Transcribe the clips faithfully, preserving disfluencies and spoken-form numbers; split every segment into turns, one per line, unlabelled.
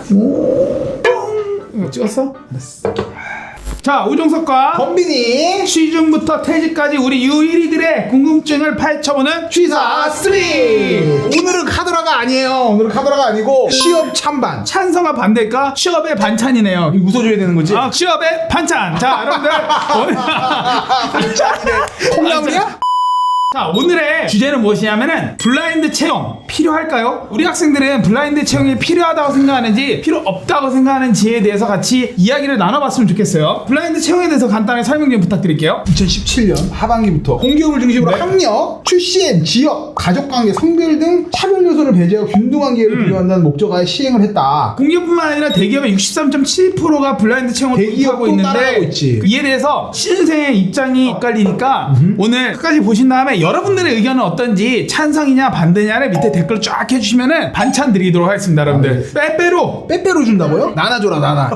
오, 뿅. 이거 찍었어? 됐어. 자, 우종석과
범빈이
취중부터 퇴직까지 우리 유일이들의 궁금증을 파헤쳐보는
취사 삼. 오늘은 카더라가 아니에요. 오늘은 카더라가 아니고 취업 찬반.
찬성과 반대가 취업의 반찬이네요.
이거 웃어줘야 되는 거지?
아, 취업의 반찬. 자, 여러분들 오늘
반찬이네. 콩나물이야?
자, 오늘의 주제는 무엇이냐면은 블라인드 채용 필요할까요? 우리 학생들은 블라인드 채용이 필요하다고 생각하는지 필요 없다고 생각하는지에 대해서 같이 이야기를 나눠봤으면 좋겠어요. 블라인드 채용에 대해서 간단하게 설명 좀 부탁드릴게요.
이천십칠 년 하반기부터 공기업을 중심으로
네.
학력, 출신, 지역, 가족관계, 성별 등 차별 요소를 배제하고 균등한 기회를
음.
부여한다는 목적하에 시행을 했다.
공기업뿐만 아니라 대기업의 육십삼 점 칠 퍼센트가 블라인드 채용을
대기업도
도입하고
따라하고
있는데
있지.
이에 대해서 신생의 입장이 엇갈리니까 오늘 끝까지 보신 다음에 여러분들의 의견은 어떤지 찬성이냐 반대냐를 밑에 댓글 쫙 해주시면은 반찬 드리도록 하겠습니다. 여러분들 빼빼로
빼빼로 준다고요? 나눠줘라 나눠.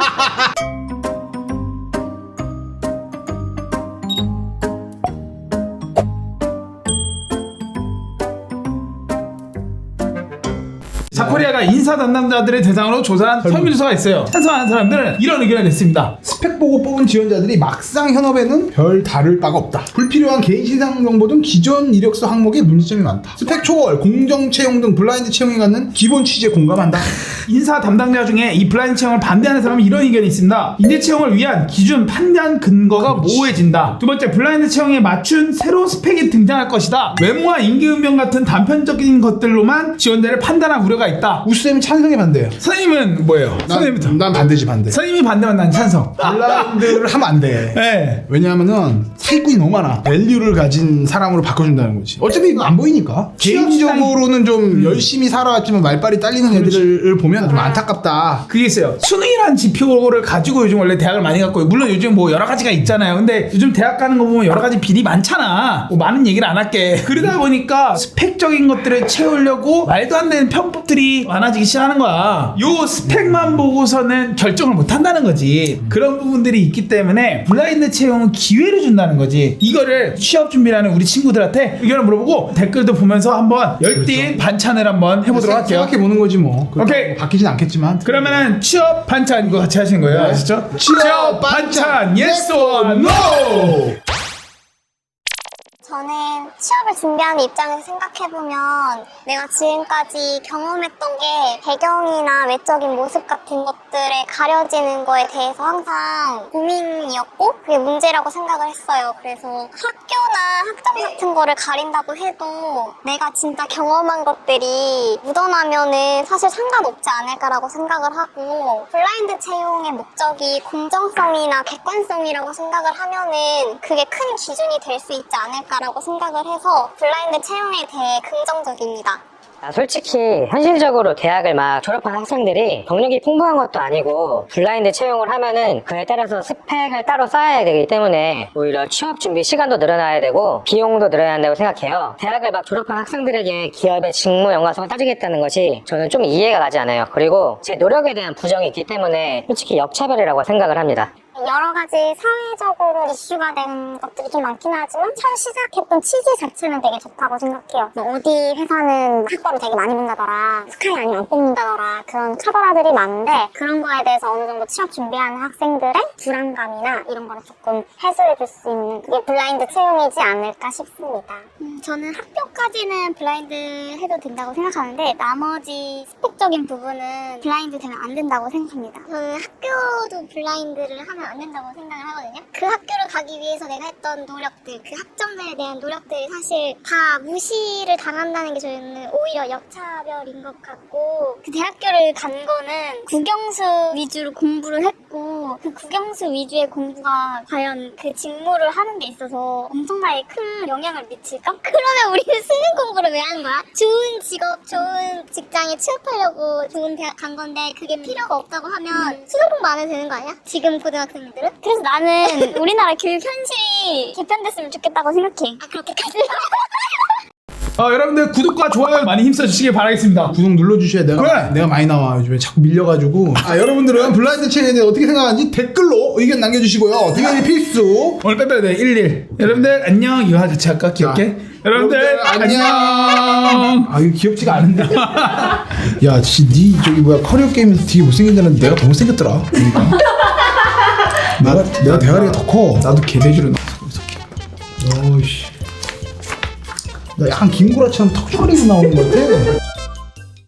자코리아가 인사 담당자들의 대상으로 조사한 설문조사가 있어요. 찬성하는 사람들은 이런 의견을 냈습니다.
스펙 보고 뽑은 지원자들이 막상 현업에는 별 다를 바가 없다. 불필요한 개인신상 정보 등 기존 이력서 항목에 문제점이 많다. 스펙 초월, 공정 채용 등 블라인드 채용에 갖는 기본 취지에 공감한다.
인사 담당자 중에 이 블라인드 채용을 반대하는 사람은 이런 의견이 있습니다. 인재 채용을 위한 기준 판단 근거가
그렇지.
모호해진다. 두 번째, 블라인드 채용에 맞춘 새로운 스펙이 등장할 것이다. 외모와 임기응변 같은 단편적인 것들로만 지원자를 판단할 우려가 있다.
우수쌤이 찬성에 반대해요.
선생님은 뭐예요? 선생님부터.
난, 난 반대지 반대.
선생님이 반대면 난 찬성.
블라인드를 하면 안 돼.
네.
왜냐하면은 사기꾼이 너무 많아. 밸류를 가진 사람으로 바꿔준다는 거지. 어차피 이거 안 보이니까. 개인적으로는 좀
음.
열심히 살아왔지만 말빨이 딸리는 애들을 보면 좀 안타깝다.
그게 있어요. 수능이라는 지표를 가지고 요즘 원래 대학을 많이 갔고, 물론 요즘 뭐 여러 가지가 있잖아요. 근데 요즘 대학 가는 거 보면 여러 가지 비리 많잖아. 뭐 많은 얘기를 안 할게. 그러다 보니까 스펙적인 것들을 채우려고 말도 안 되는 편법들이 많아지기 시작하는 거야. 요 스펙만 보고서는 결정을 못 한다는 거지. 그런 부분들이 있기 때문에 블라인드 채용은 기회를 준다는 거지. 이거를 취업 준비하는 우리 친구들한테 의견을 물어보고 댓글도 보면서 한번 열띤 반찬을 한번 해보도록 할게요.
생각해 보는 거지 뭐.
오케이.
바뀌진 않겠지만.
그러면은 취업 반찬 이거 같이 하시는 거예요.
네.
아시죠?
취업 반찬,
yes or no.
저는 취업을 준비하는 입장에서 생각해보면 내가 지금까지 경험했던 게 배경이나 외적인 모습 같은 것들에 가려지는 거에 대해서 항상 고민이었고 그게 문제라고 생각을 했어요. 그래서 학교나 학점 같은 거를 가린다고 해도 내가 진짜 경험한 것들이 묻어나면은 사실 상관없지 않을까라고 생각을 하고 블라인드 채용의 목적이 공정성이나 객관성이라고 생각을 하면은 그게 큰 기준이 될 수 있지 않을까 라고 생각을 해서 블라인드 채용에 대해 긍정적입니다.
아, 솔직히 현실적으로 대학을 막 졸업한 학생들이 경력이 풍부한 것도 아니고 블라인드 채용을 하면은 그에 따라서 스펙을 따로 쌓아야 되기 때문에 오히려 취업 준비 시간도 늘어나야 되고 비용도 늘어나야 한다고 생각해요. 대학을 막 졸업한 학생들에게 기업의 직무 연관성을 따지겠다는 것이 저는 좀 이해가 가지 않아요. 그리고 제 노력에 대한 부정이 있기 때문에 솔직히 역차별이라고 생각을 합니다.
여러 가지 사회적으로 이슈가 된 것들이 좀 많긴 하지만 처음 시작했던 취지 자체는 되게 좋다고 생각해요. 뭐 어디 회사는 학벌을 되게 많이 본다더라, 스카이 아니면 안 뽑는다더라 그런 카더라들이 많은데 그런 거에 대해서 어느 정도 취업 준비하는 학생들의 불안감이나 이런 거를 조금 해소해 줄 수 있는 그게 블라인드 채용이지 않을까 싶습니다. 음, 저는 학교까지는 블라인드 해도 된다고 생각하는데 나머지 스펙적인 부분은 블라인드 되면 안 된다고 생각합니다. 저는 학교도 블라인드를 하면 안 된다고 생각을 하거든요. 그 학교를 가기 위해서 내가 했던 노력들, 그 학점들에 대한 노력들이 사실 다 무시를 당한다는 게 저는 오히려 역차별인 것 같고 그 대학교를 간 거는 국영수 위주로 공부를 했고 그 국영수 위주의 공부가 과연 그 직무를 하는 데 있어서 엄청나게 큰 영향을 미칠까? 그러면 우리는 수능 공부를 왜 하는 거야? 좋은 직업, 좋은 직장에 취업하려고 좋은 대학 간 건데 그게 필요가 없다고 하면 수능 공부 안 해도 되는 거 아니야? 지금 고등학생들은? 그래서 나는 우리나라 교육 현실이 개편됐으면 좋겠다고 생각해. 아 그렇게까지?
어, 여러분들 구독과 좋아요 많이 힘써주시길 바라겠습니다.
구독 눌러주셔야 내가,
그래.
내가 많이 나와. 요즘에 자꾸 밀려가지고. 아, 여러분들은 블라인드 채용에 대해 어떻게 생각하는지 댓글로 의견 남겨주시고요. 댓글이 필수.
오늘 빼빼로 네 일일. 여러분들 안녕. 이거 같이 할까? 귀엽게.
자,
여러분들,
여러분들 안녕.
안녕.
아, 이거 귀엽지가 않은데. 야, 지, 니 저기 뭐야 커리어 게임에서 되게 못생긴다는 내가 더 못생겼더라. 그러니까. 내가 내가 대가리가 더 커.
나도 개돼지로 나왔어.
어이씨. 나 약간 김구라처럼 턱주머니로 나오는 것 같아.